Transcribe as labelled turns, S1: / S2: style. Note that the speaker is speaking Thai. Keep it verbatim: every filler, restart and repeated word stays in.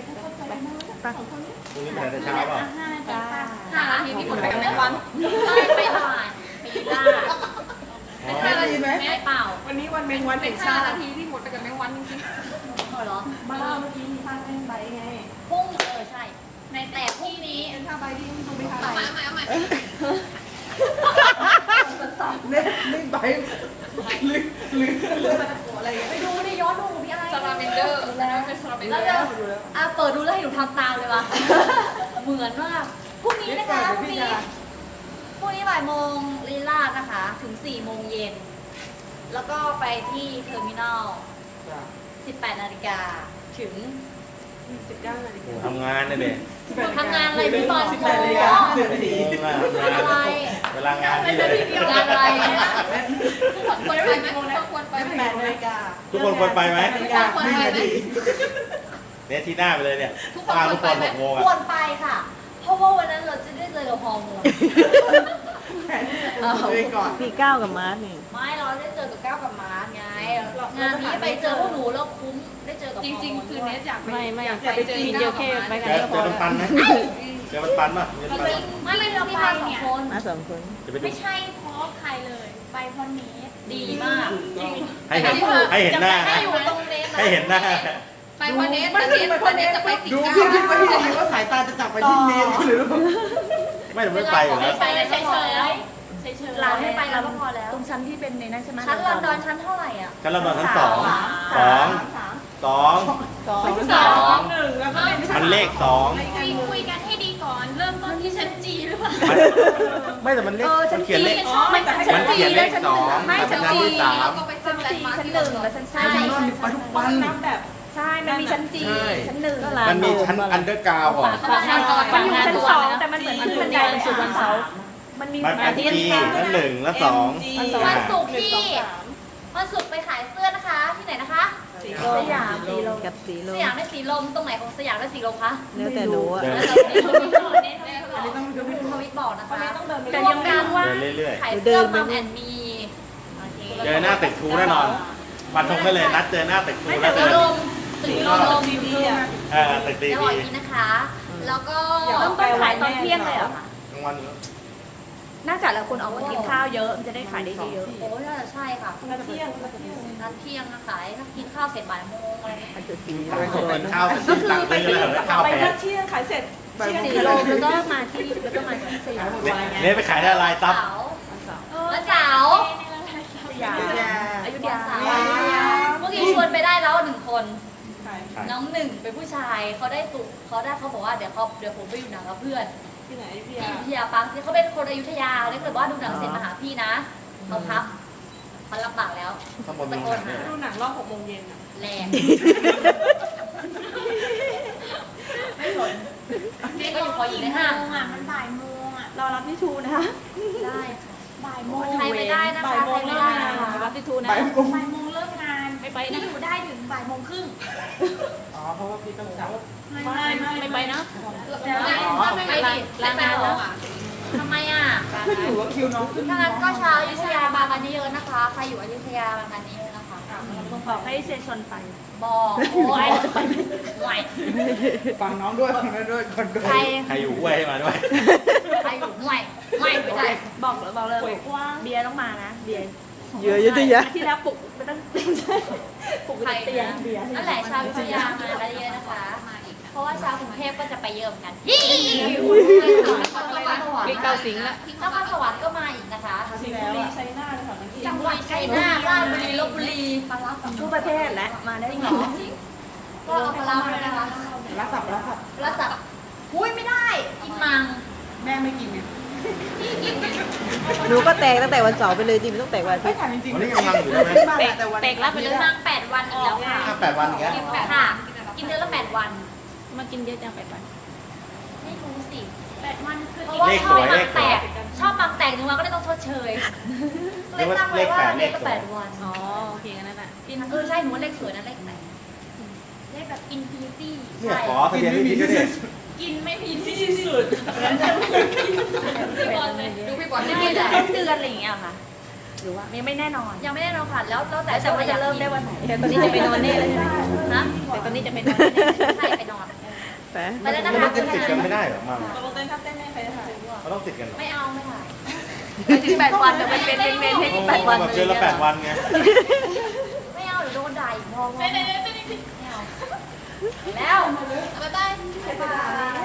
S1: ไปพรุ่งนี้ไปแต่เช้าเปล่า
S2: ห้านาทีพี่หมดไปกับแมงวันไปไปบ่ายไปยืนได้ห้านาทีไหมไม่เปล่า
S3: วันนี้วันแมงวัน
S2: เป็นห้านาทีที่หมดไปกับแมงวันจริงๆเหรอ
S3: บ้าเมื่อกี้มีท่าเต้นใบไง
S2: พุ่งเออใช่ในแต่พรุ่งนี้
S3: เป็นท่าใบที่ดูไม่ทัน
S2: เอาใหม่เอาใหม่
S3: เล่นเล่นใบลึกลึกอะไร
S2: ไปดูในย้อนดูพี่อะไร
S3: สลาเมนเดอร์แล้วเป็นสลาเมนเดอร์
S2: อ่ะเปิดดูแล้วให้หนูทำตามเลยวะเหมือนมากพรุ่งนี้นะคะพรุ่งนี้พรุ่งนี้บ่ายโมงลีลาดนะคะถึงสี่โมงเย็นแล้วก็ไปที่เทอร์มินอลสิบแปดนาฬิกาถึง
S3: สิบเก้านาฬิกา
S1: ทำงานนะเด็ก
S2: ทำงานอะไรพี่บอล
S3: สิบแปดนาฬิกาหนึ่งนาที
S2: งานอะไร
S1: เวลางานที่เลย
S2: งานอะไรควรไปไหมควรไป
S3: ไหมแปดนาฬิกา
S1: ทุกคนควรไปไหม
S3: นาฬิกาหนึ่งนาที
S1: เนี่ยที่หน้าไปเลยเนี่ยตาทุกคนหกโมง
S2: ควรไปค่ะเพราะว่าวันนั้นเราจะได้เจอกับฮอร์โมน
S4: มีก้าวกับมาร์ทนี่
S2: ไม่เราได้เจอกับก้าวกับมาร์ทไงงานนี้ไปเจอพวกหนูแล้วคุ้มได้เจอกับจริงๆคือเนสอยาก
S4: ไม่ไม่อยากไปเจอเจอแค่ไปกันก็พอ
S1: เจอมันปันไหมเจอมันปันป่ะ
S2: ไม่ไม่เราไปสองคน
S4: มาสองคน
S2: ไม่ใช่เพราะใครเลยไปเพราะเนสดีมาก
S1: ให้เห็นให้เห็นหน้า
S2: ให้อยู่ตรงเนส
S1: ให้เห็นหน้า
S2: ไปเพราะเนสแต่เนสเพราะเนสจะไปติดก้าว
S3: ดูพี่คิดว่าพี่คิดว่าสายตาจะจับไปที่เนสหรือ
S1: ไม่หนูไม่ไปอยู่แล้ว
S2: ไปเฉยเฉยร้านไม่ไปแล้วก็พอแล้ว
S4: ตรงชั้นที่เป็นในนั้นใช่ไหม
S2: ชั้นลอนดอนชั้นเท่าไหร่อ่ะ
S1: ชั้นลอนดอนชั้นสองสองสอง
S4: สอง
S2: สอง
S3: หนึ่งแล้วก็
S1: มันเลขสอง
S2: คุยคุยกันให้ดีก่อนเริ่มต้นที่ชั้นจีหรือเปล่า
S1: ไม่แต่มันเลขมันเขียนเลข
S2: ไม่
S1: มันเขียนเลขสอง
S2: ไม่ชั้นจีเราก็ไปชั้นจีชั้นหนึ่งและชั้นใช่ใช่
S3: ไปทุกวันนับแบบ
S4: ใช่มันมีชั้นจีชั้นหนึ่ง
S1: มันมีชั้นอันเดอร์กราวก่อน
S4: มันอยู่ชั้นสองแต่มันเหมือนขึ้นบันไดไปสู่วันเสาร์มันมี
S1: มันเป็นจีชั้นหนึ่งและสอง
S2: วันศุกร์ที่วันศุกร์ไปขายเสื้อนะคะที่ไหนนะคะ
S4: สยามสีลมกับสีลม
S2: สยามได้สีลมตรงไหนของสยามได้สีลมคะ
S4: แล้วแต่รู้อะ
S3: อันนี้ต้อง
S2: ดูทวิตบอกนะคะ
S4: แต่ยังไม่รู้ว่า
S2: ขายเสื้อมัมแอนมี
S1: เจอหน้าตึกทูแน่นอนวันทงได้เลยนัดเจอหน้าตึกทูแล้วเจอ
S2: ตึกลม
S3: ดีดีอ่ะ
S1: เออตึกดี
S2: ดีนะคะแล้วก็
S4: เริ่มต้นขายตอนเที่ยงเลยเหรอคะ
S1: กลางวัน
S4: น่าจะแล้วคนออกมากินข้าวเยอะมันจะได้ขายได้เยอะ
S2: โอ้น่าจะใช่ค่ะ
S3: นัดเที่ยงนัด
S2: เที่ยงนัดเที่ยงนะขายถ้ากินข้าวเสร็จบ่ายโมงอะไร
S4: มันจะสี
S1: เป็นข้าวก็คือไป
S3: ข้าวไปนัดเที่ยงขายเสร็จ
S4: สีลมแล้วก็มาที่แล้วก็มาที่สยาม
S1: เนี่ยไปขายได้ลายซับ
S2: วันเสาร์
S4: สยามอยุธยา
S2: เมื่อกี้ชวนไปได้แล้วหนึ่งคนน้องหนึ่งเป็นผู้ชายเขาได้ตุเขาได้เขาบอกว่าเดี๋ยวเขาเดี๋ยวผมไปอยู่หนังกับเพื่อน
S3: ที่ไหนพี่
S2: อยุธยาปังเขาเป็นคนอยุธยาเขาเลยบอกว่าดูหนังเสร็จมาหาพี่นะเขาพับเขาลำบากแล้ว
S1: ตะโกนหา
S3: ดูหนังรอบหกโมงเย็น
S2: แรงไม่สนนี่ก็อยู่พออีกเลยห้า
S4: มันบ่ายโมงอ่ะรอรับที่ทูนะคะ
S2: ได้บ่ายโมงใครไม่ได้นะคะใครไม่ได้นะคะ
S4: รับที่ทูนะ
S3: บ่ายโมง
S2: บ่ายโมงเลิกงาน
S4: ไม่ไปนะ
S2: พี่อยู่ได้ถึงบ่ายโมงครึ่ง
S3: อ๋อเพราะว่าพี่ต้องจับ
S4: ไม่ไม่ไม่ไปนะ
S2: ไปดิลางานแล้วทำไมอ่ะ
S3: ขึ้นอยู่ว่าคิวน้องขึ้น
S2: ถ้างั้นก็ชาวอยุธยามากันเยอะนะคะใครอยู่อยุธยามากันเยอะนะคะ
S4: บอกให้เซชนไป
S2: บอกโอ้ยจะไปไหว
S3: ฟังน้องด้วยฟังน้องด้วยคนด้วย
S1: ใครอยู่ห้วยให้มาด้วย
S2: ใครอยู่ห่วยห่วยไม่ได้
S4: บอกเลยบอกเลยเบียร์ต้องมานะเบียร์
S3: เยอะเยอะเยอะ
S4: ที่แล้วปลุกไม่ต้องปลุกเตียง
S2: เบียร์นั่นแหละชาวอยุธยามากันเยอะนะคะเพราะว่าชาวกรุงเทพก็จะไปเยอะเหมือนกันฮิ
S4: มีเกาสิงห์ละ
S2: นครสวรรค์ก็มาอีกนะคะ
S3: สิงห์บุรีชัยนาทค่ะ
S2: จังหวัดชัยนาทราชบุรีลพบุรี
S4: ทั่วประเทศและมาได้
S2: หรอจริงก็เอาปลาเลยนะคะ
S3: รักสับรักสับ
S2: รักสับอุ้ยไม่ได้กินมัง
S3: แม่ไม่กินไง
S4: หนูก็แตกตั้งแต่วันเสาร์ไปเลยจริงไม่ต้องแตกวันอาทิตย์
S1: วันนี้กำลังอยู่ใช่ไหม
S4: แตกรับไปเลย
S2: มังแปดวันอีกแล้วค่ะ
S1: แปดวันอีกแล้ว
S2: ค่ะกินเดือนละแปดวัน
S4: มากินเยอะจังแปดวัน
S2: ไม่รู้สิแปดวันคือเพราะว่าชอบมังแตกชอบมังแตกหนึ่งวันก็เลยต้องชดเชยเลยตั้งไว้ว่าเดือนละแปดวัน
S4: อ๋อโอเคกันนั่นแหละ
S2: กินเออใช่หนูว่าเลขสวยนะเลขไหนเลขแบบอินฟินิตี้
S1: ใช่ขอทะเบียนไม่มีที่สุด
S2: กินไม่มีที่สุดพี่บอลเลยดูพี่บอลไม่ได้เดือนอะไรอย่างเงี้ยค่ะ
S4: หรือว่ายังไม่แน่นอน
S2: ยังไม่แน่นอนค่ะแล้วแล้วแต่
S4: แต่ว่าจะเริ่มได้วันไหนแต่ตอนนี้จะไปนอนแน่เลยใช่ไหม
S2: ฮะ
S4: แต่ตอนนี้จะไปนอน
S2: ใช่ไปนอน
S4: ไป
S2: ไปแล้วนะ
S1: แล้ว
S2: คะ
S1: มันจะติดกันไม่ได้เหรอมา
S3: ตกลงเต้นครับเต้นไม่ใครจะถ่าย
S1: มันต้องติดกันเหรอ
S2: ไม่เอาไม่ถ่ายไปถึงแปดวันเดี๋ยวเป็นเป็นเป็นเป็นให้
S1: โอ้
S2: แปดวัน
S1: แบบเดือนละแปดวันไง
S2: ไม่เอาเดี๋ยวโดนด่าอีกพอพอ
S3: เต้นเต้นเต้น
S2: ไม่เอาแล้วบ๊ายบาย